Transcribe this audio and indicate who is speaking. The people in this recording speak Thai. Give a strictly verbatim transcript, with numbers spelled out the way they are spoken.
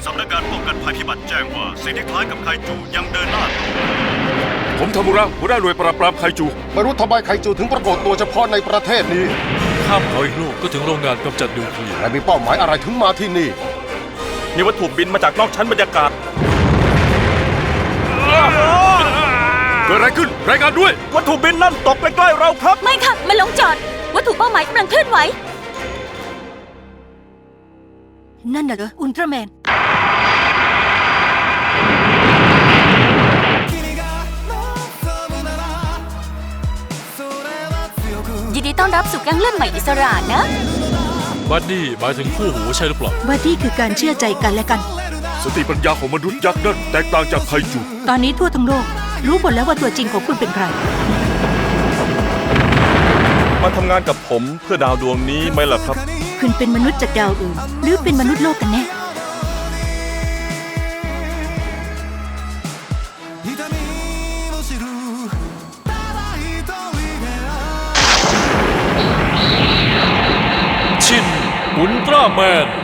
Speaker 1: สำนักงานป้องกันภัยพิบัติแจ้งว่าสิ่งที่คล้ายกับไคจูยังเดินหน้าต่อ
Speaker 2: ผมทามุระหัวหน้าหน่วยปราบปรามไคจูไม่รู้ทำไมไคจูถึงปรากฏตัวเฉพาะในประเทศนี้
Speaker 3: ข้ามเขาอีกลูกก็ถึงโรงงานกำจัดนิวเคลียร์
Speaker 2: และมีเป้าหมายอะไรถึงมาที่นี่
Speaker 4: มีวัตถุบินมาจากนอกชั้นบรรยากาศ
Speaker 2: เกิดอะไรขึ้นรายงานด้วย
Speaker 4: วัตถุบินนั่นตกใกล้ๆเราครับ
Speaker 5: ไม่ค่ะมันลงจอด วัตถุเป้าหมายกำลังเคลื่อนไหว นั่นน่ะเหรออุลตร้าแมน ยินดีต้อนรับสู่แก๊งเลือดใหม่อิสระนะ
Speaker 3: บัดดี้หมายถึงคู่หูใช่หรือเปล่า
Speaker 5: ว่าที่คือการเชื่อใจกันและกัน
Speaker 2: สติปัญญาของมนุษย์ยักษ์นั่นแตกต่างจากไคจู
Speaker 5: ตอนนี้ทั่วทั้งโลก รู้หมดแล้วว่าตัวจริงของคุณเป็นใคร
Speaker 4: มาทำงานกับผมเพื่อดาวดวงนี้ไหมล่ะครับ
Speaker 5: คุณเป็นมนุษย์จากดาวอื่น หรือเป็นมนุษย์โลกกันแน่
Speaker 3: ชินอุลตร้าแมน